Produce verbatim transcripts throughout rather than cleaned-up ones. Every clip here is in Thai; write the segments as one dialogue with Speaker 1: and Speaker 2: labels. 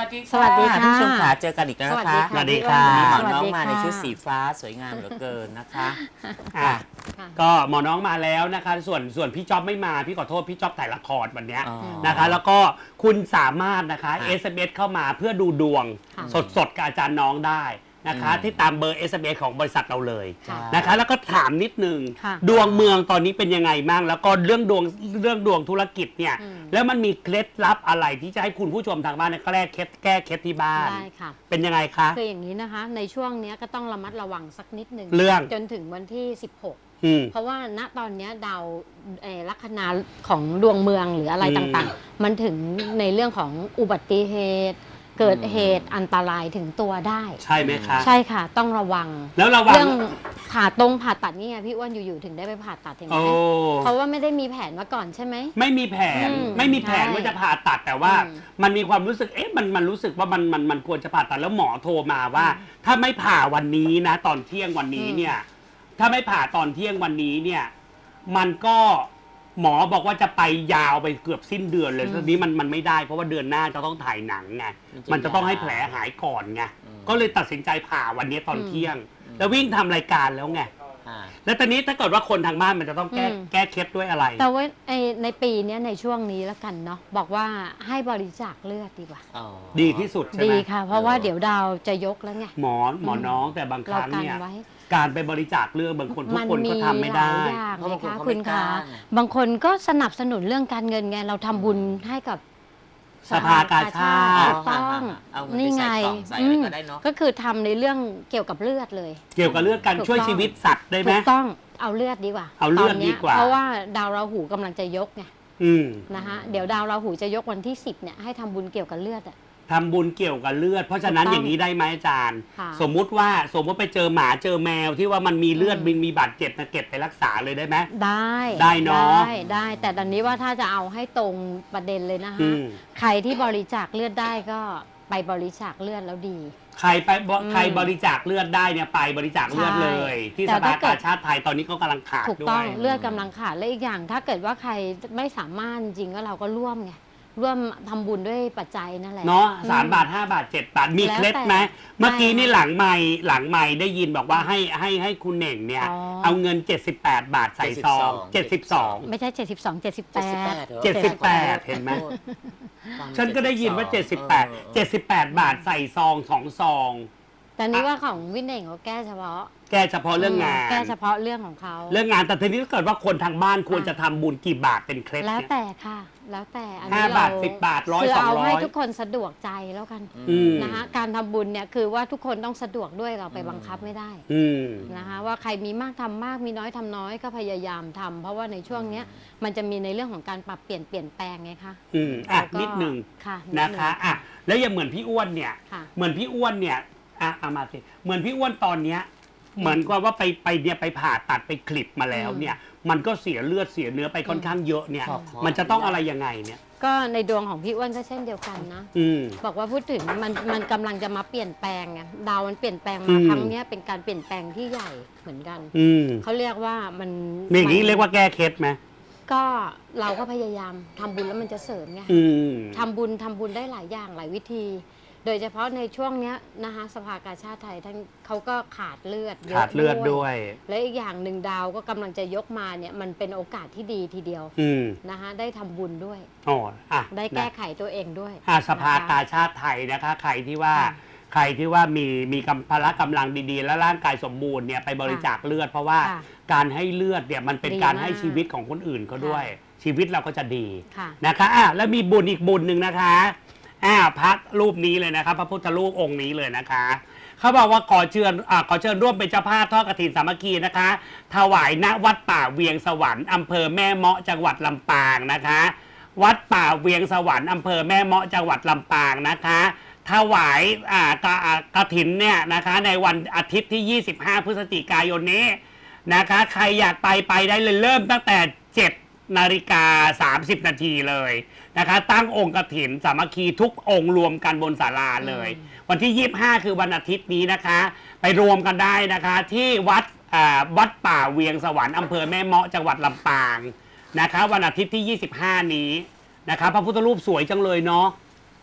Speaker 1: ดีค่ะ
Speaker 2: สวัสดีค่ะ
Speaker 1: ท่านผู้ชมขาเจอกันอีกแล้วนะคะ
Speaker 2: สวัสดีค่ะ
Speaker 1: วันนี้หมอ
Speaker 2: สวัสดี
Speaker 1: น้องมา
Speaker 2: ค่ะ
Speaker 1: ในชุดสีฟ้าสวยงามเหลือเกินนะคะ
Speaker 3: อ่ะ
Speaker 2: ค่ะ
Speaker 3: ก็หมอน้องมาแล้วนะคะส่วนส่วนพี่จ๊อบไม่มาพี่ขอโทษพี่จ๊อบถ่ายละครวันเนี้ย
Speaker 1: อ๋อ
Speaker 3: นะคะ แล้วก็คุณสามารถนะคะ
Speaker 1: ค่ะ
Speaker 3: เอส เอ็ม เอส เข้ามาเพื่อดูดวง
Speaker 2: ค่ะ
Speaker 3: สดๆกับอาจารย์น้องได้นะคะ
Speaker 1: อืม
Speaker 3: ที่ตามเบอร์ เอส เอ็ม เอส ของบริษัทเราเลย
Speaker 2: ค่ะ
Speaker 3: นะคะ แล้วก็ถามนิดนึง
Speaker 2: ค่ะ
Speaker 3: ดวงเมืองตอนนี้เป็นยังไงบ้างแล้วก็เรื่องดวงเรื่องดวงธุรกิจเนี่ย
Speaker 2: อืม
Speaker 3: แล้วมันมีเคล็ดลับอะไรที่จะให้คุณผู้ชมทางบ้านเนี่ยแก้เคล็ดแก้เคล็ดที่บ้าน
Speaker 2: ได้ค่ะ
Speaker 3: เป็นยังไงคะ
Speaker 2: คืออย่างนี้นะคะ ในช่วงเนี้ยก็ต้องระมัดระวังสักนิดหนึ่ง
Speaker 3: เรื่อง
Speaker 2: จนถึงวันที่ สิบหก
Speaker 3: อืม
Speaker 2: เพราะว่าณตอนเนี้ยดาวเอ่อลัคนาของดวงเมืองหรืออะไร
Speaker 3: อืม
Speaker 2: ต่างๆ มันถึงในเรื่องของอุบัติเหตุ เกิดเหตุอันตรายถึงตัวได้
Speaker 3: ใช่ไหมคะ
Speaker 2: ใช่ค่ะ ต้องระวัง
Speaker 3: แล้วระวัง
Speaker 2: เรื่องผ่าตรงผ่าตัดนี่ไงพี่อ้วนอยู่ๆถึงได้ไปผ่าตัดเห็นไหม
Speaker 3: โอ้
Speaker 2: เพราะว่าไม่ได้มีแผนมาก่อนใช่ไหม
Speaker 3: ไม่มีแผน
Speaker 2: อืม
Speaker 3: ไม่มีแผน
Speaker 2: ใช่
Speaker 3: ว่าจะผ่าตัดแต่ว่า
Speaker 2: อืม
Speaker 3: มันมีความรู้สึกเอ๊ะมันมันรู้สึกว่ามันมันมันควรจะผ่าตัดแล้วหมอโทรมาว่า ถ้าไม่ผ่าวันนี้นะ ตอนเที่ยงวันนี้
Speaker 2: อืม
Speaker 3: เนี่ย ถ้าไม่ผ่าตอนเที่ยงวันนี้เนี่ย มันก็หมอบอกว่าจะไปยาวไปเกือบสิ้นเดือนเลยทีนี้มันมันไม่ได้เพราะว่าเดือนหน้าจะต้องถ่ายหนังไง
Speaker 1: มันจะ
Speaker 3: มันจะต้องให้
Speaker 1: ยาว
Speaker 3: แผลหายก่อนไง
Speaker 1: อืม
Speaker 3: ก็เลยตัดสินใจผ่าวันนี้ตอน
Speaker 2: อืม
Speaker 3: เที่ยง แล้ววิ่งทำรายการแล้วไง
Speaker 1: อ่า
Speaker 3: แล้วตอนนี้ถ้าเกิดว่าคนทางบ้านมันจะต้องแก้
Speaker 2: อืม
Speaker 3: แก้เคล็ดด้วยอะไร
Speaker 2: แต่ว่าไอ้ในปีเนี้ยในช่วงนี้แล้วกันเนาะบอกว่าให้บริจาคเลือดดีกว่า
Speaker 1: อ๋อ
Speaker 3: ดีที่สุดใช่
Speaker 2: ดี
Speaker 3: ไหม
Speaker 2: ค่ะ เพราะว่าเดี๋ยวดาวจะยกแล้วไง
Speaker 3: หมอหมอน้องแต่บางค
Speaker 2: เรา
Speaker 3: รั้ง
Speaker 2: กัน
Speaker 3: เนี่ย
Speaker 2: ไว้
Speaker 3: การไปบริจาคเลือดบางคนทุกคนก็ทำไม่ได้
Speaker 2: หลายอย่าง
Speaker 1: เพราะ
Speaker 2: เล
Speaker 1: บาง
Speaker 2: ย
Speaker 1: คน
Speaker 2: ค่ะ
Speaker 1: เขา
Speaker 2: คุ
Speaker 1: ไม่
Speaker 2: ณ
Speaker 1: กล้า
Speaker 2: คะ
Speaker 1: ไง
Speaker 2: บางคนก็สนับสนุนเรื่องการเงินไงเราทำบุญให้กับ
Speaker 3: สภากาชาติ
Speaker 2: ถูกต้อง
Speaker 1: เอาเงินไป
Speaker 2: นี่ไง
Speaker 1: ใส่กล่องใส่อะไรก็ได้เนอะ
Speaker 2: อืมก็คือทำในเรื่องเกี่ยวกับเลือดเลย
Speaker 3: เกี่ยวกับเลือดการ
Speaker 2: ถูก
Speaker 3: ช่วย
Speaker 2: ต้อง
Speaker 3: ชีวิตสัตว์ได้ไหม
Speaker 2: ถูกต้องเอาเลือดดีกว่า
Speaker 3: เอาเลือด
Speaker 2: ตนนี้ย
Speaker 3: ดีกว่า
Speaker 2: เพราะว่าดาวราหูกำลังจะยกไง
Speaker 3: อืม
Speaker 2: นะคะเดี๋ยวดาวราหูจะยกวันที่สิบเนี่ยให้ทำบุญเกี่ยวกับเลือดอ่ะ
Speaker 3: ทำบุญเกี่ยวกับเลือด เพราะฉะนั้น
Speaker 2: ถูกต้อง
Speaker 3: อย่างนี้ได้ไหมอาจารย์
Speaker 2: ค่ะ
Speaker 3: สมมุติว่าสมมติไปเจอหมาเจอแมวที่ว่ามันมีเลือด
Speaker 2: อืม
Speaker 3: บินมีบาดเจ็บนะเก็บไปรักษาเลยได้ไหม
Speaker 2: ได้
Speaker 3: ได้เนอะ
Speaker 2: ได้ได้แต่ตอนนี้ว่าถ้าจะเอาให้ตรงประเด็นเลยนะคะ
Speaker 3: อืม
Speaker 2: ใครที่บริจาคเลือดได้ก็ไปบริจาคเลือดแล้วดี
Speaker 3: ใครไปบ
Speaker 2: อืม
Speaker 3: ใครบริจาคเลือดได้เนี่ยไปบริจาคเลือด
Speaker 2: ใช่
Speaker 3: เลย ที่
Speaker 2: แต่
Speaker 3: สภา
Speaker 2: ถ้าเกิ
Speaker 3: กา
Speaker 2: ด
Speaker 3: ชาติไทยตอนนี้ก็กำลังขาด
Speaker 2: ถูก
Speaker 3: ด้
Speaker 2: ต้
Speaker 3: ว
Speaker 2: อง
Speaker 3: ย
Speaker 2: เลือดกำลังขาดและอีกอย่าง ถ้าเกิดว่าใครไม่สามารถจริงๆก็เราก็ร่วมไงร่วมทำบุญด้วยปัจจัยนั่นแหละ
Speaker 3: เนาะสาม
Speaker 2: อื
Speaker 3: บาทห้าบาทเจ็ดบาทมี
Speaker 2: แล้ว
Speaker 3: เคล็ด
Speaker 2: แต่
Speaker 3: ไหมเมื่อกี้
Speaker 2: ไม่
Speaker 3: นี่หลังไม่หลังไม่ได้ยินบอกว่าให้ให้ให้คุณเหน่งเนี่ย
Speaker 2: อ๋อ
Speaker 3: เอาเงิน เจ็ดสิบแปด บาทใส่ซองเจ็ดสิบสอง
Speaker 2: ไม่ใช่เจ็ดสิบสอง เจ็ดสิบแป
Speaker 1: เจ็ดสิบแป
Speaker 2: ด
Speaker 1: ด
Speaker 3: เจ็ดสิบแปดเห็นไหม
Speaker 1: ฟัง
Speaker 3: ฉันก็ได้ยินว่า
Speaker 1: เออ
Speaker 3: เจ็ดสิบแปด เจ็ดสิบแปด บาทใส่ซองสองซอง
Speaker 2: แต่นี่ว่าของวินเน่งเขาแก้เฉพาะ
Speaker 3: แก้เฉพาะเรื่องงาน
Speaker 2: แก้เฉพาะเรื่องของเขา
Speaker 3: เรื่องงานแต่ทีนี้ถ้าเกิดว่าคนทางบ้านควรจะทำบุญกี่บาทเป็นเคล็ด
Speaker 2: แล้ว
Speaker 3: เนี่ย
Speaker 2: แต่ค่ะ แล้วแต่อัน
Speaker 3: ห้า
Speaker 2: นี้
Speaker 3: บาท
Speaker 2: เร
Speaker 3: สิบบาทร้อย
Speaker 2: คือ
Speaker 3: สอง
Speaker 2: เอา
Speaker 3: ร้อ
Speaker 2: ให้
Speaker 3: ย
Speaker 2: ทุกคนสะดวกใจแล้วกัน
Speaker 3: อืม
Speaker 2: นะคะการทำบุญเนี่ยคือว่าทุกคนต้องสะดวกด้วยเราไปบังคับไม่ได้
Speaker 3: อืม
Speaker 2: นะคะว่าใครมีมากทำมากมีน้อยทำน้อยก็พยายามทำเพราะว่าในช่วงเนี้ยมันจะมีในเรื่องของการปรับเปลี่ยนเปลี่ยนแปลงไงคะ
Speaker 3: อืมอ่ะ
Speaker 2: แล้วก็
Speaker 3: นิดหนึ่ง
Speaker 2: ค่ะ
Speaker 3: นะคะอ่ะแล้วอย่างเหมือนพี่อ้วนเนี่ย
Speaker 2: ค่ะ
Speaker 3: เหมือนพี่อ้วนเนี่ยอ่ะเอามาสิเหมือนพี่อ้วนตอนเนี้ยเหมือนกับว่าไปไปเนี่ยไปผ่าตัดไปคลิปมาแล้วเนี่ย มันก็เสียเลือดเสียเนื้อไปค่อนข้างเยอะเนี่ย
Speaker 1: ขอขอ
Speaker 3: มันจะต้องอะไรยังไงเนี่ย
Speaker 2: ก็ในดวงของพี่อ้วนก็เช่นเดียวกันนะ
Speaker 3: อืม
Speaker 2: บอกว่าพูดถึงมันมันกำลังจะมาเปลี่ยนแปลงไงดาวมันเปลี่ยนแปลง
Speaker 3: อื
Speaker 2: มาม ครั้งเนี้ยเป็นการเปลี่ยนแปลงที่ใหญ่เหมือนกัน
Speaker 3: อืม
Speaker 2: เขาเรียกว่ามัน
Speaker 3: มีอย่างนี้เรียกว่าแก้เคล็ดไหม
Speaker 2: ก็เราก็พยายามทำบุญแล้วมันจะเสริมไง
Speaker 3: อืม
Speaker 2: ทำบุญทำบุญได้หลายอย่างหลายวิธี โดยเฉพาะในช่วงเนี้ยนะคะสภากาชาติไทยท่านเขาก็ขาดเลือดยะ
Speaker 3: ขาดเลือดด้วย
Speaker 2: และอีกอย่างหนึ่งดาวก็กำลังจะยกมาเนี่ยมันเป็นโอกาสที่ดีทีเดียว
Speaker 3: อืม
Speaker 2: นะคะได้ทำบุญด้วย
Speaker 3: อ๋ออ่ะ
Speaker 2: ได้แก้
Speaker 3: นะ
Speaker 2: ไขตัวเองด้วย
Speaker 3: อ่ะสภา
Speaker 2: นะคะ
Speaker 3: กาชาติไทยนะคะ ใครที่ว่า
Speaker 2: ค่ะ
Speaker 3: ใครที่ว่ามีมีกำพละกำลังดีๆ และร่างกายสมบูรณ์เนี่ยไปบริจาคเลือด เพราะว่า
Speaker 2: ค่ะ
Speaker 3: การให้เลือดเนี่ยมันเป็น
Speaker 2: ดี
Speaker 3: การ
Speaker 2: มาก
Speaker 3: ให้ชีวิตของคนอื่นเขาด้วย
Speaker 2: ค่ะ
Speaker 3: ชีวิตเราก็จะดี
Speaker 2: ค่ะ
Speaker 3: นะคะอ่ะแล้วมีบุญอีกบุญหนึ่งนะคะอ่าพระรูปนี้เลยนะครับ พระพุทธรูปองค์นี้เลยนะคะเขาบอกว่าขอเชิญอ่าขอเชิญร่วมเป็นเจ้าภาพทอดกฐินสามัคคีนะคะ ถวายณวัดป่าเวียงสวรรค์อำเภอแม่เมาะจังหวัดลำปางนะคะ วัดป่าเวียงสวรรค์อำเภอแม่เมาะจังหวัดลำปางนะคะ ถวายอ่ากะอ่ากฐินเนี่ยนะคะในวันอาทิตย์ที่ ยี่สิบห้า พฤศจิกายนนี้นะคะ ใครอยากไปไปได้เลยเริ่มตั้งแต่เจ็ดนาฬิกาสามสิบนาทีเลยนะคะ ตั้งองค์กฐินสามัคคีทุกองค์รวมกันบนศาลาเลย วันที่ ยี่สิบห้า คือวันอาทิตย์นี้นะคะ ไปรวมกันได้นะคะที่วัดอ่าวัดป่าเวียงสวรรค์อำเภอแม่เมาะจังหวัดลำปางนะคะ วันอาทิตย์ที่ ยี่สิบห้า นี้นะคะ พระพุทธรูปสวยจังเลยเนาะ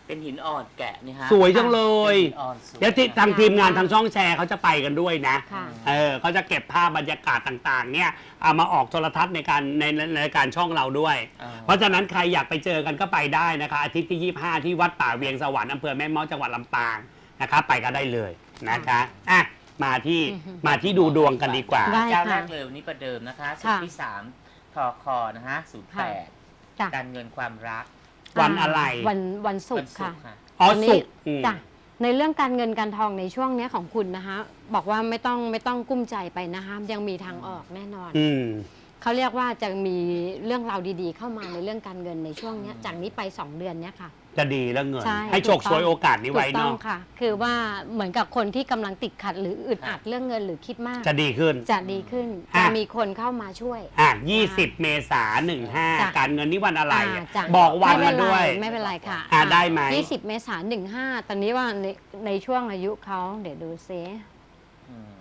Speaker 1: เป็นหินอ่อนแกะนี่ฮะ
Speaker 3: สวยจังเลย
Speaker 1: เป็นหินอ่อนสวย
Speaker 3: เดี๋ยวที่ทางทีมงานทางช่องแชร์เขาจะไปกันด้วยนะ
Speaker 2: ค่ะ
Speaker 3: เออเขาจะเก็บภาพบรรยากาศต่างๆ เนี่ยเอามาออกโทรทัศน์ในการในในในการช่องเราด้วย
Speaker 1: อ่า
Speaker 3: เพราะฉะนั้นใครอยากไปเจอกันก็ไปได้นะคะอาทิตย์ที่ยี่สิบห้าที่วัดป่าเวียงสวรรค์อำเภอแม่เมาะจังหวัดลำปางนะคะไปก็ได้เลยนะคะอ่ะมาที่
Speaker 2: อือฮึ
Speaker 3: มาที่ดูดวงกันดีกว่า
Speaker 2: ได้
Speaker 1: เจ้า
Speaker 2: ค่ะ
Speaker 1: แรกเลยวันนี้ประเดิมนะคะสุด
Speaker 2: ค่ะ
Speaker 1: ที่สามทอคอนะฮะศูนย์แปด
Speaker 2: จ้ะ
Speaker 1: การเงินความรัก
Speaker 3: วันอะไร
Speaker 2: วันวันศุ
Speaker 1: วั
Speaker 2: ก
Speaker 1: น
Speaker 2: ร์
Speaker 1: ศุ
Speaker 2: ค่ะ
Speaker 1: กร์ค่ะ
Speaker 3: อ๋อ
Speaker 2: วันนี้
Speaker 3: สุกร์อืม
Speaker 2: จ้ะในเรื่องการเงินการทองในช่วงเนี้ยของคุณนะคะบอกว่าไม่ต้องไม่ต้องกุ้มใจไปนะคะยังมีทางออกแน่นอน
Speaker 3: อืม
Speaker 2: เขาเรียกว่าจะมีเรื่องราวดีๆ เข้ามาในเรื่องการเงินในช่วงเนี้ยจากนี้ไปสองเดือนเนี้ยค่ะ
Speaker 3: จะดีแล้วเงิน
Speaker 2: ใช่
Speaker 3: ให้โชค
Speaker 2: ถูกต้อง
Speaker 3: ช่วยโอกาสนี้
Speaker 2: ถู
Speaker 3: ไว้
Speaker 2: กต้อง
Speaker 3: เนาะ
Speaker 2: ค่ะ คือว่าเหมือนกับคนที่กำลังติดขัดหรืออึดอัดเรื่องเงินหรือคิดมาก
Speaker 3: จะดีขึ้น
Speaker 2: จะดีขึ้น
Speaker 3: อ่ะ
Speaker 2: จะมีคนเข้ามาช่วย
Speaker 3: อ่ะยี่สิบเมษาหนึ่งห้า
Speaker 2: จ้ะ
Speaker 3: การเงินนี่วันอะไร
Speaker 2: อ่า
Speaker 3: อ่ะ
Speaker 2: จ้ะ
Speaker 3: บอกวัน
Speaker 2: ไม่
Speaker 3: มา
Speaker 2: เป็นไร
Speaker 3: ด้วย
Speaker 2: ไม่เป็นไรค่ะ
Speaker 3: อ่ะได้ไหม
Speaker 2: ยี่สิบเมษายนหนึ่งห้าตอนนี้ว่าในในช่วงอายุเขาเดี๋ยวดูซิ
Speaker 1: อืม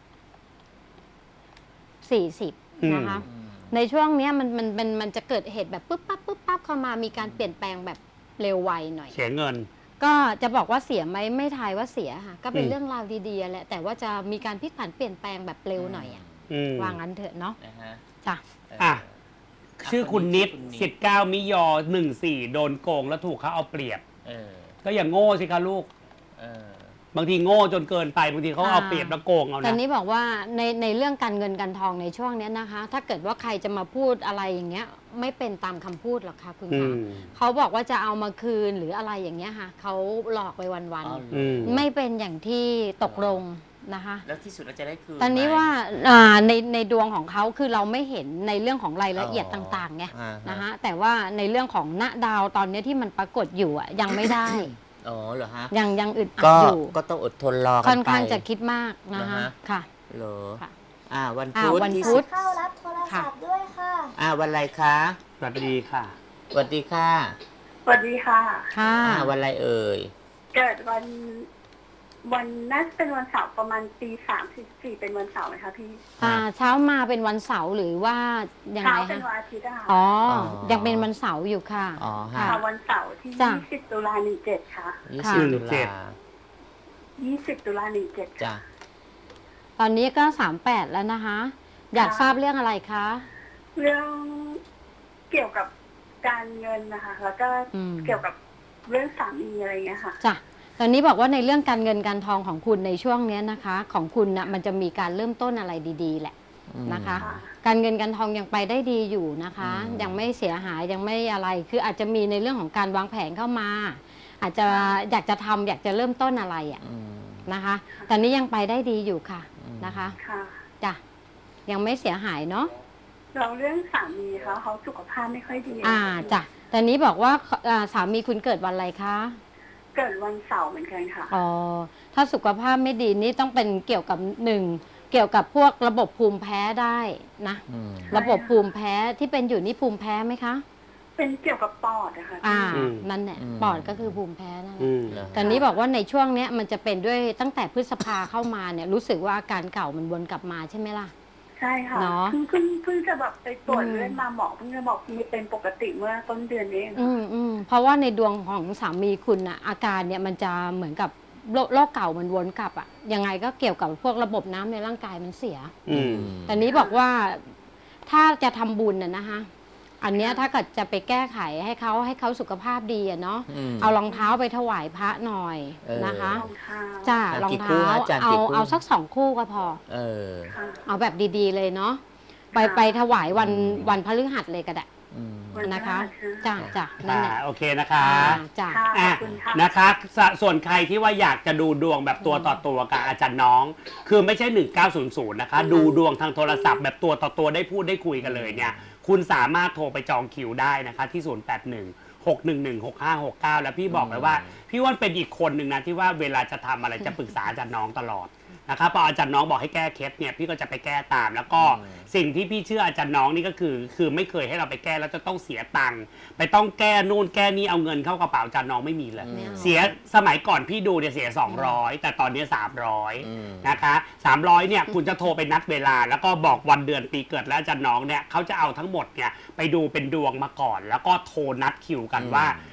Speaker 2: สี่สิบ
Speaker 3: อืม
Speaker 2: นะคะ
Speaker 1: อืม
Speaker 2: ในช่วงเนี้ยมันมันมันมันจะเกิดเหตุแบบปุ๊บปั๊บปุ๊บปั๊บเข้ามามีการเปลี่ยนแปลงแบบเร็วไวหน่อย
Speaker 3: เสียเงิน
Speaker 2: ก็จะบอกว่าเสียไหมไม่ทายว่าเสียค่ะ ก็เป็น
Speaker 3: อืม
Speaker 2: เรื่องราวดีๆแหละแต่ว่าจะมีการพลิกผันเปลี่ยนแปลงแบบเร็วหน่อยอะ
Speaker 3: อืม
Speaker 2: วางงั้นเถอะเนาะ
Speaker 1: นะฮะ
Speaker 2: จ้ะ
Speaker 1: เ
Speaker 3: อ่ะ ชื่อคุณนิด
Speaker 1: คุณนิด
Speaker 3: สิบเก้ามิยอหนึ่งสี่โดนโกงแล้วถูกเขาเอาเปรียบ
Speaker 1: เออ
Speaker 3: ก็อย่างโง่สิคะลูก
Speaker 1: เออ
Speaker 3: บางทีโง่จนเกินไปบางทีเขาเอาเปรียบแล้วโกงเอา
Speaker 2: ตอน
Speaker 3: นะ
Speaker 2: นี้บอกว่าในในเรื่องการเงินการทองในช่วงเนี้ยนะคะ ถ้าเกิดว่าใครจะมาพูดอะไรอย่างเงี้ย ไม่เป็นตามคำพูดหรอกค่ะคุณ
Speaker 3: อื
Speaker 2: คะ
Speaker 3: ม
Speaker 2: เขาบอกว่าจะเอามาคืนหรืออะไรอย่างเงี้ยค่ะเขาหลอกไปวัน
Speaker 1: อ๋อเหรอ
Speaker 3: อืม
Speaker 2: ๆไม่เป็นอย่างที่ตกลงนะคะ
Speaker 1: แล้วที่สุดเราจะได้คืน
Speaker 2: ตอนนี้
Speaker 1: ไหม
Speaker 2: ว่าอ่าในในดวงของเขาคือเราไม่เห็นในเรื่องของรายละเอียด
Speaker 1: อ๋อ
Speaker 2: ต่างๆไง
Speaker 1: อ่าฮะ
Speaker 2: นะคะแต่ว่าในเรื่องของณดาวตอนนี้ที่มันปรากฏอยู่อะยังไม่ได้
Speaker 1: อ๋อเหรอฮะ
Speaker 2: ยังยังอึดอัด
Speaker 1: ก็
Speaker 2: อยู่
Speaker 1: ก็ต้องอดทนรอกันไป
Speaker 2: ค่อนข้างจะคิดมากนะคะ
Speaker 1: เหรอฮะ
Speaker 2: ค่ะ
Speaker 1: เหรอ
Speaker 2: ค่ะ
Speaker 1: อ่า วัน
Speaker 2: อ่า
Speaker 1: พุธ
Speaker 2: วัน
Speaker 1: ที่
Speaker 2: พุ
Speaker 1: สิ
Speaker 2: ธ
Speaker 1: บ
Speaker 4: เข้ารับโทรศัพท์ด้วยค่ะ
Speaker 1: อ่า วันอะไรคะ
Speaker 3: สวัสดีค่ะ
Speaker 1: สวัสดีค่ะ
Speaker 4: สวัสดีค่ะ
Speaker 2: ค่ะ
Speaker 1: อ่า วันอะไรเอ่ย
Speaker 4: เกิดวัน วันน่าจะเป็นวันเสาร์ประมาณตีสามสิบสี่เป็นวันเสาร์ไหมคะพี่
Speaker 2: อ่าเช้ามาเป็นวันเสาร์หรือว่ายัง
Speaker 4: เช้า
Speaker 2: ไง
Speaker 4: เป็น
Speaker 2: คะ
Speaker 4: วันอาทิตย์อะค่ะ
Speaker 2: อ๋อ
Speaker 1: อ๋อ
Speaker 2: ยังเป็นวันเสาร์อยู่ค่ะ
Speaker 1: อ๋อฮะ
Speaker 4: ค่ะวันเสาร์ที่
Speaker 2: จ้ะ
Speaker 4: ยี่สิบตุลาหนึ่งเจ็ดค่ะ
Speaker 1: ยี่
Speaker 2: ค่ะ
Speaker 1: สิบตุ
Speaker 3: เจ็
Speaker 1: ลา
Speaker 3: ด
Speaker 4: ยี่สิบตุลาหนึ่งเจ็ด
Speaker 1: จ้ะ
Speaker 2: ตอนนี้ก็สามแปดแล้วนะคะ อยากทราบเรื่องอะไรคะ
Speaker 4: เรื่องเกี่ยวกับการเงินนะคะ แล้วก็
Speaker 2: อืม
Speaker 4: เกี่ยวกับเรื่องสามีอะไรเงี้ยค่ะ
Speaker 2: จ้ะตอนนี้บอกว่าในเรื่องการเงินการทองของคุณในช่วงเนี้ยนะคะ ของคุณนะมันจะมีการเริ่มต้นอะไรดีๆแหละ
Speaker 1: อืม
Speaker 2: นะคะ
Speaker 4: ค่ะ
Speaker 2: การเงินการทองยังไปได้ดีอยู่นะคะ
Speaker 1: อืม
Speaker 2: ยังไม่เสียหายยังไม่อะไร คืออาจจะมีในเรื่องของการวางแผนเข้ามา อาจจะอยากจะทำอยากจะเริ่มต้นอะไรอ่ะ
Speaker 1: อืม
Speaker 2: นะคะ ตอนนี้ยังไปได้ดีอยู่ค่ะ
Speaker 1: อืม
Speaker 2: นะคะ
Speaker 4: ค่ะ
Speaker 2: จ้ะยังไม่เสียหายเนาะ
Speaker 4: เราเรื่องสามีเขาเขาสุขภาพไม่ค่อยดี
Speaker 2: อ่าจ้ะตอนนี้บอกว่าอ่าสามีคุณเกิดวันอะไรคะ
Speaker 4: เกิดวันเสาร์เหมือนกันค่ะ
Speaker 2: อ๋อถ้าสุขภาพไม่ดีนี่ต้องเป็นเกี่ยวกับหนึ่งเกี่ยวกับพวกระบบภูมิแพ้ได้นะ
Speaker 1: อืม
Speaker 2: ระบบภูมิแพ้ที่เป็นอยู่นี่ภูมิแพ้ไหมคะ
Speaker 4: เป็นเกี่ยวกับปอดอะค่ะ
Speaker 2: อ่า
Speaker 3: อืม
Speaker 2: นั่นแหละ
Speaker 1: อืม
Speaker 2: ปอดก็คือภูมิแพ้นั่นแห
Speaker 3: อื
Speaker 2: ละ
Speaker 3: ม
Speaker 1: เหรอ
Speaker 2: ตอนนี้บอกว่าในช่วงเนี้ยมันจะเป็นด้วยตั้งแต่พฤษภาเข้ามาเนี่ยรู้สึกว่าอาการเก่ามันวนกลับมาใช่ไหมล่ะ
Speaker 4: ใช่ค่ะ
Speaker 2: เนอะ
Speaker 4: เพิ่งเพิ่งเพิ่งจะแบบไปตรวจ
Speaker 2: อืม
Speaker 4: เลือดมาหมอเพิ่งจะบอกมีเป็นปกติเมื่อต้นเดือนนี้เอง
Speaker 2: อืมอืมเพราะว่าในดวงของสามีคุณอะอาการเนี่ยมันจะเหมือนกับโรคโรคเก่ามันวนกลับอะยังไงก็เกี่ยวกับพวกระบบน้ำในร่างกายมันเสีย
Speaker 3: อืม
Speaker 2: ตอนนี้บอกว่าถ้าจะทำบุญน่ะนะคะอันเนี้ยถ้าเกิดจะไปแก้ไขให้เขาให้เขาสุขภาพดีอะเนาะ
Speaker 1: ม
Speaker 2: เอารองเท้าไปถวายพระหน่อย
Speaker 1: เออ
Speaker 2: นะคะ
Speaker 4: รองเท้า
Speaker 2: จ้า
Speaker 1: อ่ะ
Speaker 2: รอง
Speaker 1: กี่คู่
Speaker 2: เท้า
Speaker 1: ฮะอาจารย์
Speaker 2: เอา
Speaker 1: กี่คู่
Speaker 2: เอาสักสองคู่ก็พอ
Speaker 1: เออ
Speaker 4: ค่ะ
Speaker 2: เอาแบบดีๆเลยเนาะไปไปถวายวันวันพฤหัสเลยก็ได้
Speaker 1: อืม
Speaker 4: วันพฤหัส
Speaker 2: นะคะ
Speaker 4: ใช่
Speaker 2: จ้าจ้านั่น
Speaker 3: อ่า
Speaker 2: แหละ
Speaker 3: โอเคนะคะ
Speaker 2: อ่าจ้า
Speaker 4: ค่ะข
Speaker 3: อ่ะ
Speaker 4: อบคุณค่ะ
Speaker 3: นะคะสส่วนใครที่ว่าอยากจะดูดวงแบบตัวต่อตัวกับอาจารย์น้อง คือไม่ใช่หนึ่งเก้าศูนย์ศูนย์นะคะ ดูดวงทางโทรศัพท์แบบตัวต่อตัวได้พูดได้คุยกันเลยเนี่ย คุณสามารถโทรไปจองคิวได้นะคะ ที่ ศูนย์ แปด หนึ่ง หก หนึ่ง หนึ่ง หก ห้า หก เก้า แล้วพี่บอกเลยว่า พี่ว่านเป็นอีกคนหนึ่งนะที่ว่าเวลาจะทำอะไรจะปรึกษาอาจารย์น้องตลอดนะครับพออาจารย์น้องบอกให้แก้เคสเนี่ยพี่ก็จะไปแก้ตาม แล้วก็
Speaker 1: อืม
Speaker 3: สิ่งที่พี่เชื่ออาจารย์น้องนี่ก็คือ คือไม่เคยให้เราไปแก้แล้วจะต้องเสียตังค์ไปต้องแก้นู่นแก้นี่เอาเงินเข้ากระเป๋าอาจารย์น้องไม่มีเลย
Speaker 2: ไม่เอา
Speaker 3: เสียสมัยก่อนพี่ดูเนี่ยเสียสองร้อยแต่ตอนนี้สามร้อย
Speaker 1: อืม
Speaker 3: นะคะสามร้อยเนี่ยคุณจะโทรไปนัดเวลา แล้วก็บอกวันเดือนปีเกิดแล้วอาจารย์น้องเนี่ยเขาจะเอาทั้งหมดเนี่ยไปดูเป็นดวงมาก่อน แล้วก็โทรนัดคิวกันว่า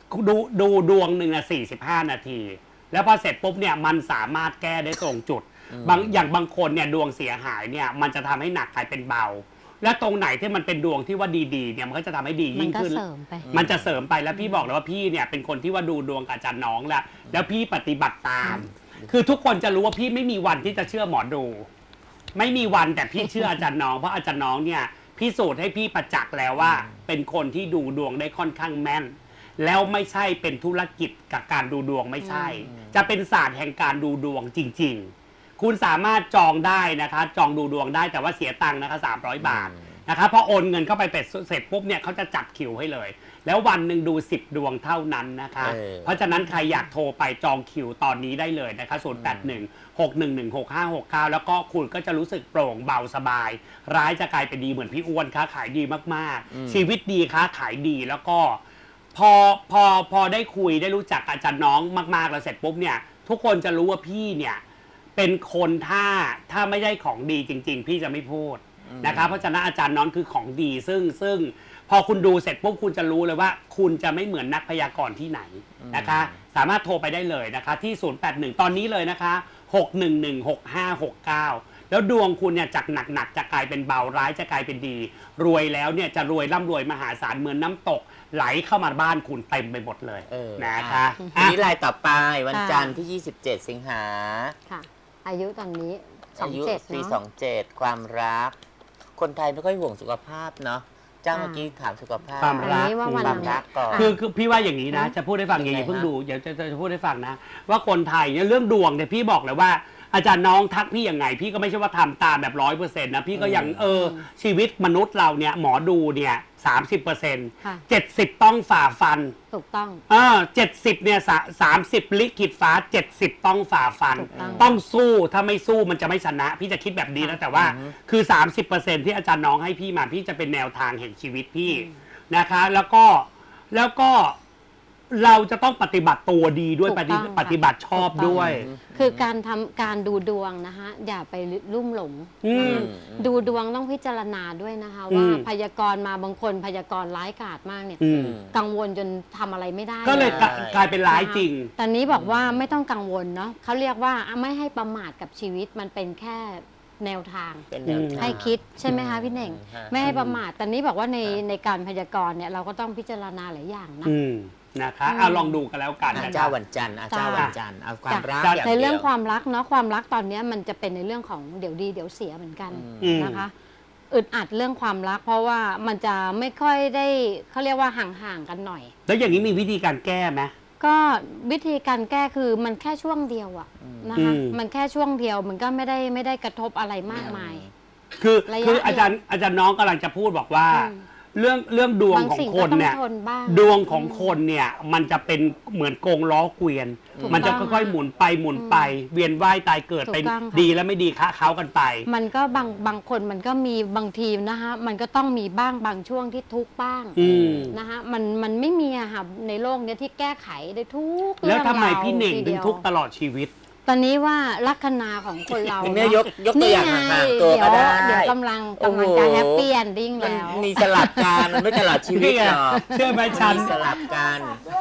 Speaker 3: ดูดูดวงหนึ่งนะสี่สิบห้านาที แล้วพอเสร็จปุ๊บเนี่ยมันสามารถแก้ได้ตรงจุดบางอย่างบางคนเนี่ยดวงเสียหายเนี่ยมันจะทำให้หนักกลายเป็นเบา และตรงไหนที่มันเป็นดวงที่ว่าดีๆเนี่ยมันก็จะทำให้ดียิ่งขึ้น
Speaker 2: มันก็เสริมไป
Speaker 3: มันจะเสริมไปแล้วพี่บอกเลยว่าพี่เนี่ยเป็นคนที่ว่าดูดวงกับอาจารย์น้องแล้วแล้วพี่ปฏิบัติตาม คือทุกคนจะรู้ว่าพี่ไม่มีวันที่จะเชื่อหมอดู ไม่มีวันแต่พี่เชื่ออาจารย์น้องเพราะอาจารย์น้องเนี่ยพิสูจน์ให้พี่ประจักษ์แล้วว่า เป็นคนที่ดูดวงได้ค่อนข้างแม่น แล้วไม่ใช่เป็นธุรกิจกับการดูดวงไม่ใช่ จะเป็นศาสตร์แห่งการดูดวงจริง ๆ คุณสามารถจองได้นะคะจองดูดวงได้แต่ว่าเสียตังค์นะคะสามร้อยบาทนะคะพอโอนเงินเข้าไปเป็ดเสร็จปุ๊บเนี่ยเขาจะจัดคิวให้เลย แล้ววันหนึ่งดูสิบดวงเท่านั้นนะคะ
Speaker 1: เออ
Speaker 3: เพราะฉะนั้นใครอยากโทรไปจองคิวตอนนี้ได้เลยนะคะศูนย์ แปด หนึ่ง หก หนึ่ง หนึ่ง หก ห้า หก เก้าแล้วก็คุณก็จะรู้สึกโปร่งเบาสบาย ร้ายจะกลายเป็นดีเหมือนพี่อ้วนค้าขายดีมากๆ ชีวิตดีค้าขายดีแล้วก็ พอพอพอได้คุยได้รู้จักอาจารย์น้องมากๆแล้วเสร็จปุ๊บเนี่ยทุกคนจะรู้ว่าพี่เนี่ยเป็นคนถ้าถ้าไม่ได้ของดีจริง ๆ พี่จะไม่พูดนะคะเพราะฉะนั้นอาจารย์น้องคือของดีซึ่งซึ่งพอคุณดูเสร็จปุ๊บคุณจะรู้เลยว่า คุณจะไม่เหมือนนักพยากรณ์ที่ไหนนะคะสามารถโทรไปได้เลยนะคะที่ศูนย์ แปด หนึ่งตอนนี้เลยนะคะหก หนึ่ง หนึ่ง หก ห้า หก เก้าแล้วดวงคุณเนี่ยจากหนักๆจะกลายเป็นเบาร้ายจะกลายเป็นดี รวยแล้วเนี่ยจะรวยร่ำรวยมหาศาลเหมือนน้ำตกไหลเข้ามาบ้านคุณเต็มไปหมดเลย
Speaker 1: เออ
Speaker 3: นะคะ
Speaker 1: ทีนี้รายต่อไปวัน
Speaker 2: ค่ะ
Speaker 1: จันทร์ที่ยี่สิบเจ็ดสิงหา
Speaker 2: ค่ะ อายุตอนนี้สอ
Speaker 1: อาง ยุ
Speaker 2: เจ็ด
Speaker 1: ปี
Speaker 2: เนาะ
Speaker 1: สองเจ็ดความรัก คนไทยไม่ค่อยห่วงสุขภาพเนาะเจ้า
Speaker 2: อ่า
Speaker 1: เมื่อกี้ถามสุขภาพ
Speaker 3: ความ
Speaker 2: อัน
Speaker 3: รัก
Speaker 2: นี้ว่าวัน
Speaker 1: ความรักก่อน
Speaker 3: คือคือพี่ว่าอย่างนี้นะ
Speaker 2: อืม
Speaker 3: จะพูดให้ฟังอย่าง
Speaker 1: ยั
Speaker 3: นี้
Speaker 1: งไง
Speaker 3: เพิ่ง
Speaker 1: ฮะ
Speaker 3: ดูเดี๋ยวจะจะจะพูดให้ฟังนะ ว่าคนไทยเนี่ยเรื่องดวงเนี่ยพี่บอกเลยว่า อาจารย์น้องทักพี่ยังไง พี่ก็ไม่ใช่ว่าทำตามแบบร้อยเปอร์เซ็นต์นะพี่ก็ยังเออชีวิตมนุษย์เราเนี่ยหมอดูเนี่ยสามสิบเปอร์เซ็นต์
Speaker 2: ค่ะ
Speaker 3: เจ็ดสิบต้องฝ่าฟัน
Speaker 2: ถูกต้อง
Speaker 3: เออเจ็ดสิบเนี่ยสามสิบลิขิตฟ้าเจ็ดสิบต้องฝ่าฟัน
Speaker 2: ถูกต้อง
Speaker 3: ต้องสู้ถ้าไม่สู้มันจะไม่ชนะ พี่จะคิดแบบนี้นะแต่ว่าคือ สามสิบเปอร์เซ็นต์ ที่อาจารย์น้องให้พี่มาพี่จะเป็นแนวทางแห่งชีวิตพี่นะคะ แล้วก็แล้วก็เราจะต้องปฏิบัติตัวดีด้วย
Speaker 2: ถูก
Speaker 3: ป
Speaker 2: ต้
Speaker 3: ฏิ
Speaker 2: องค่ะ
Speaker 3: ปฏิบัติชอบ
Speaker 2: ถูกต้อง
Speaker 3: ด้วย
Speaker 2: คือการทำการดูดวงนะคะอย่าไปลุ่มหลง
Speaker 3: อืม
Speaker 2: นะคะดูดวงต้องพิจารณาด้วยนะคะ
Speaker 3: อืม
Speaker 2: ว่าพยากรณ์มาบางคนพยากรณ์ร้ายกาจมากเนี่ย
Speaker 3: อืม
Speaker 2: กังวลจนทำอะไรไม่ได้
Speaker 3: ก็เลยกลายกลายเป็นร้ายจริง
Speaker 2: ตอนนี้บอกว่าไม่ต้องกังวลเนาะเขาเรียกว่าไม่ให้ประมาทกับชีวิตมันเป็นแค่แนวทาง
Speaker 1: เป็นแนวทาง
Speaker 2: ให้คิดใช่ไหมคะพี่เน่ง
Speaker 1: ฮะ
Speaker 2: ไม่ให้ประมาทตอนนี้บอกว่าในในการพยากรณ์เนี่ยเราก็ต้องพิจารณาหลายอย่างนะ
Speaker 3: อืมนะคะ
Speaker 2: อืม
Speaker 3: เอาลองดูกันแล้วกัน
Speaker 1: อ่ะ
Speaker 3: นะ
Speaker 1: เจ้า
Speaker 3: คะ
Speaker 1: วันจันทร์อ่ะเจ้า
Speaker 2: จ้า
Speaker 1: วันจันทร์เอาความรัก
Speaker 3: จ้ะ
Speaker 1: อย่าง
Speaker 2: ใน
Speaker 1: เดี
Speaker 2: เรื่
Speaker 1: ย
Speaker 2: อง
Speaker 1: ว
Speaker 2: ความรักเนาะความรักตอนเนี้ยมันจะเป็นในเรื่องของเดี๋ยวดีเดี๋ยวเสียเหมือนกัน
Speaker 3: อืม
Speaker 2: นะคะอึดอัดเรื่องความรัก เพราะว่ามันจะไม่ค่อยได้เขาเรียกว่าห่างๆกันหน่อย
Speaker 3: แล้วอย่างนี้มีวิธีการแก้ไหม
Speaker 2: ก็วิธีการแก้คือมันแค่ช่วงเดียวอะนะคะ
Speaker 3: อืม
Speaker 2: มันแค่ช่วงเดียวมันก็ไม่ได้ไม่ได้กระทบอะไรมากมาย
Speaker 3: คือ
Speaker 2: ระยะ
Speaker 3: คืออาจารย์อาจารย์น้องกำลังจะพูดบอกว่า
Speaker 2: อืม
Speaker 3: เรื่องเรื่องดวง
Speaker 2: บาง
Speaker 3: ของ
Speaker 2: สิ่ง
Speaker 3: ค
Speaker 2: ก็
Speaker 3: น
Speaker 2: ต้อง
Speaker 3: เนี่ย
Speaker 2: ทนบ้าง
Speaker 3: ดวงของคนเนี่ยมันจะเป็นเหมือนกงล้อเกวียน
Speaker 2: ถูก
Speaker 3: มันจะ
Speaker 2: ต้อง
Speaker 3: ค่อยๆหมุนไปหมุนไป เวียนว่ายตายเกิด
Speaker 2: ถูก
Speaker 3: เป็น
Speaker 2: ต้องค่ะ
Speaker 3: ดีและไม่ดีคะเขากันไป
Speaker 2: มันก็บางบางคนมันก็มีบางทีนะคะมันก็ต้องมีบ้างบางช่วงที่ทุกข์บ้าง
Speaker 3: อืม
Speaker 2: นะคะมันมันไม่มีอะค่ะในโลกเนี้ยที่แก้ไขได้ทุก
Speaker 3: แล้วทำไม
Speaker 2: รื่องราว
Speaker 3: พี่เน่ง
Speaker 2: ที
Speaker 3: ถึ
Speaker 2: ดี
Speaker 3: ง
Speaker 2: ยว
Speaker 3: ทุกข์ตลอดชีวิต
Speaker 2: ตอนนี้ว่าลัคนาของคนเรา
Speaker 1: คุณแม่ยกยกตัวอย่าง
Speaker 2: นี่ไ
Speaker 1: ห่างๆตัวก็ได้
Speaker 2: เดี๋ยวกำลัง
Speaker 1: โอ้
Speaker 2: กำ
Speaker 1: โห
Speaker 2: ลังจะแฮปปี้เอนดิ้ง
Speaker 1: มัน
Speaker 2: แล้ว
Speaker 1: มีสลับกันมันไม่ตลอดชีวิตหรอก
Speaker 3: เชื่อไหมฉัน
Speaker 1: มีสลับกัน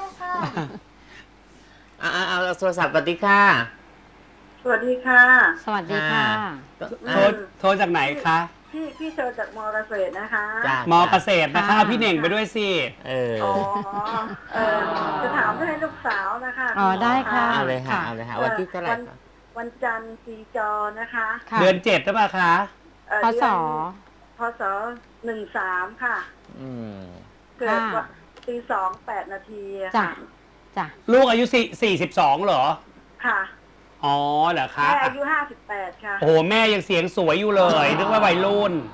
Speaker 1: อ่าเอาโทรศัพท์ปฏิค่ะ
Speaker 4: สวัสดีค่ะ
Speaker 2: สวัสดีค่ะ
Speaker 3: โทรโทรจากไหนคะ
Speaker 4: พี่พี่เจอจากมอเกษตรนะคะ
Speaker 1: จ้ะ
Speaker 3: มอเกษตรนะคะ
Speaker 2: ค่ะ
Speaker 3: เอาพี่เน่งไปด้วยสิ
Speaker 1: เออ
Speaker 4: อ๋อเออจะถามเพื่อให้ลูกสาวนะคะ
Speaker 2: อ๋อได้ค่ะ
Speaker 1: เอาเลยค่ะ
Speaker 2: ค่ะ
Speaker 1: เอาเลยค่ะวันที่เท่าไหร่
Speaker 4: วัน
Speaker 1: คะ
Speaker 4: วันจันทร์ปีจอนะคะ
Speaker 2: ค่ะ
Speaker 3: เดือนเจ็ดหรือเปล่าคะ
Speaker 4: เอ่อ
Speaker 2: พศ
Speaker 4: เดือนพศหนึ่งสามค่ะ
Speaker 1: อืม
Speaker 4: เกิดวันตีสองแปดนาทีอะ
Speaker 2: จ้ะ
Speaker 4: ค่ะ
Speaker 2: จ้ะ
Speaker 3: ลูกอายุสี่สี่สิบสองเหรอ
Speaker 4: ค่ะ
Speaker 3: อ๋อเหรอคะ
Speaker 4: แม่อายุห้าสิบแปดค่ะ
Speaker 3: โอ้โหแม่ยังเสียงสวยอยู่เลยนึกว่าวัยรุ่น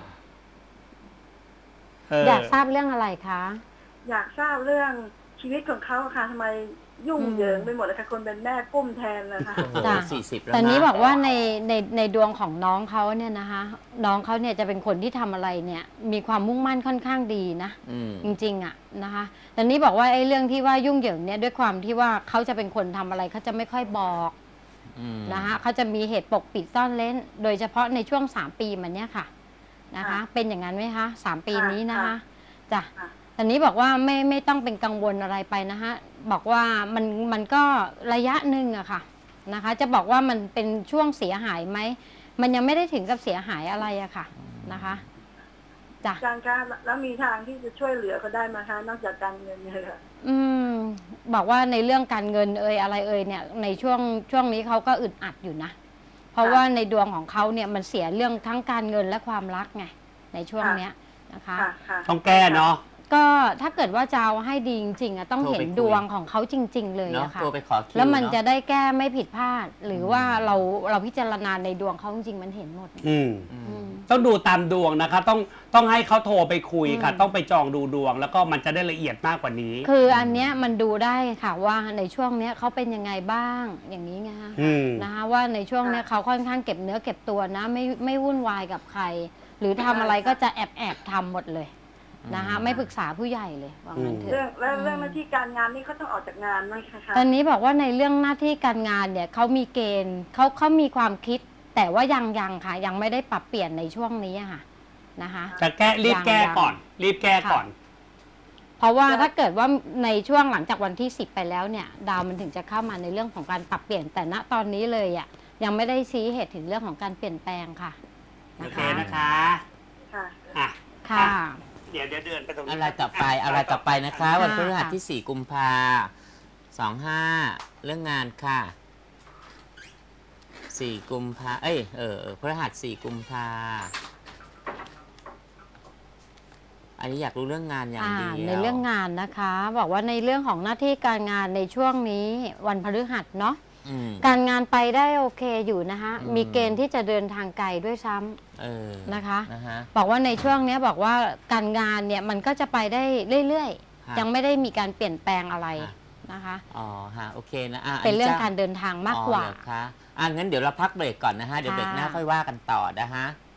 Speaker 3: เออ
Speaker 2: อยากทราบเรื่องอะไรคะ
Speaker 4: อยากทราบเรื่องชีวิตของเขาค่ะทำไมยุ่ง
Speaker 2: อืม
Speaker 4: เหยิงไปหมดเลยค่ะคนเป็นแม่กุ้มแทนนะคะ
Speaker 1: โอ้โห
Speaker 2: จ้ะ
Speaker 1: สี่สิบแล้ว
Speaker 2: แต่
Speaker 1: นะ
Speaker 2: นี้บอกว่าในในในดวงของน้องเขาเนี่ยนะคะ น้องเขาเนี่ยจะเป็นคนที่ทำอะไรเนี่ยมีความมุ่งมั่นค่อนข้างดีนะ
Speaker 1: อืม
Speaker 2: จริงๆอ่ะนะคะแต่นี้บอกว่าไอ้เรื่องที่ว่ายุ่งเหยิงเนี่ยด้วยความที่ว่าเขาจะเป็นคนทำอะไรเขาจะไม่ค่อยบอก
Speaker 1: อืม
Speaker 2: นะคะเขาจะมีเหตุปกปิดซ่อนเล้น โดยเฉพาะในช่วงสามปีมันเนี่ยค่ะนะคะ
Speaker 4: ค่ะ
Speaker 2: เป็นอย่างนั้นไหมคะสามปี
Speaker 4: ค่ะ
Speaker 2: นี้นะคะ
Speaker 4: ค่ะ
Speaker 2: จ้ะ
Speaker 4: ค่ะ
Speaker 2: ตอนนี้บอกว่าไม่ไม่ต้องเป็นกังวลอะไรไปนะคะบอกว่ามันมันก็ระยะหนึ่งอะค่ะนะคะ จะบอกว่ามันเป็นช่วงเสียหายไหมมันยังไม่ได้ถึงกับเสียหายอะไรอะค่ะนะคะจ้ะ
Speaker 4: อาจารย์คะแล้วมีทางที่จะช่วยเหลือเขาได้ไหมคะนอกจากการเงินเนี่ยค่ะ
Speaker 2: อืมบอกว่าในเรื่องการเงินเอ่ยอะไรเอ่ยเนี่ยในช่วงช่วงนี้เขาก็อึดอัดอยู่นะ เพราะว่าในดวงของเขาเนี่ยมันเสียเรื่องทั้งการเงินและความรักไงในช่วงเนี้ยนะคะ
Speaker 4: ค่ะค่ะ
Speaker 3: ต้องแก้เนาะ
Speaker 2: ก็ถ้าเกิดว่าจะเอาให้ดีจริงๆอะต้องเห็นดวงของเขาจริง ๆ เลย
Speaker 1: เนาะ
Speaker 2: อะค่ะ
Speaker 1: โทรไปขอคิว
Speaker 2: แล้วมัน
Speaker 1: เา
Speaker 2: จะได้แก้ไม่ผิดพลาด หรือว่าเราเราพิจารณาในดวงเขาจริงๆมันเห็นหมด
Speaker 3: อืม
Speaker 1: อืม
Speaker 2: อืม
Speaker 3: ต้องดูตามดวงนะคะ ต้องต้องให้เขาโทรไปคุยค่ะ
Speaker 2: อืม
Speaker 3: ต้องไปจองดูดวง แล้วก็มันจะได้ละเอียดมากกว่านี้
Speaker 2: คืออันเนี้ยมันดูได้ค่ะว่าในช่วงเนี้ยเขาเป็นยังไงบ้างอย่างนี้ไงคะ
Speaker 3: อืม
Speaker 2: นะคะว่าในช่วงเนี้ยเขาค่อนข้างเก็บเนื้อเก็บตัวนะไม่ไม่วุ่นวายกับใคร หรือทำอะไรก็จะแอบแอบทำหมดเลยนะคะไม่ปรึกษาผู้ใหญ่เลยว่างั้นเถ
Speaker 4: เรื่อง
Speaker 2: อะ
Speaker 4: แล้วเรื่องหน้าที่การงานนี่เขาต้องออกจากงานไหมคะ
Speaker 2: ตอนนี้บอกว่าในเรื่องหน้าที่การงานเนี่ยเขามีเกณฑ์เขาเขามีความคิด แต่ว่ายังยังค่ะ ยังไม่ได้ปรับเปลี่ยนในช่วงนี้อะค่ะนะคะ
Speaker 3: จะแก้รีบแก้
Speaker 2: ยัง
Speaker 3: ก่อน รีบแก้ก่อน
Speaker 2: เพราะว่าถ้าเกิดว่าในช่วงหลังจากวันที่สิบไปแล้วเนี่ย ดาวมันถึงจะเข้ามาในเรื่องของการปรับเปลี่ยนแต่ณตอนนี้เลยอ่ะยังไม่ได้ชี้เหตุถึงเรื่องของการเปลี่ยนแปลงค่ะ
Speaker 3: โอ
Speaker 2: นะ
Speaker 3: เค
Speaker 2: คะ
Speaker 3: นะคะ
Speaker 4: ค่ะ
Speaker 3: อ่ะ
Speaker 2: ค่ะ
Speaker 3: เดี๋ยวเดี๋ยวเดินไปตรงนี้
Speaker 1: อะไรต่อไปอะไรต่อไปนะคะ
Speaker 2: ค่ะ
Speaker 1: วันพฤหัสที่สี่กุมภาสองห้าเรื่องงานค่ะสี่กุมภาเอ้ยเออเออพฤหัสสี่กุมภาอันนี้อยากรู้เรื่องงานอย่าง
Speaker 2: อ่า
Speaker 1: เดียว
Speaker 2: ในเรื่องงานนะคะ บอกว่าในเรื่องของหน้าที่การงานในช่วงนี้วันพฤหัสเนาะ
Speaker 1: อืม
Speaker 2: การงานไปได้โอเคอยู่นะคะ
Speaker 1: อืม
Speaker 2: มีเกณฑ์ที่จะเดินทางไกลด้วยซ้ำ
Speaker 1: เออ
Speaker 2: นะคะ
Speaker 1: นะฮะ
Speaker 2: บอกว่าในช่วงนี้บอกว่าการงานเนี่ยมันก็จะไปได้เรื่อย
Speaker 1: ค่ะ
Speaker 2: ๆ ยังไม่ได้มีการเปลี่ยนแปลงอะไร
Speaker 1: ค่ะ
Speaker 2: นะคะ
Speaker 1: อ๋อฮะโอเคนะอ่ะ
Speaker 2: เป็นเรื่อง
Speaker 1: จ้
Speaker 2: การเดินทางมากกว่า
Speaker 1: อ๋อเหรอคะอ่ะงั้นเดี๋ยวเราพักเบรกก่อนนะฮะเดี๋ยวเบรกหน้า
Speaker 2: ค่ะ
Speaker 1: ค่อยว่ากันต่อนะฮะ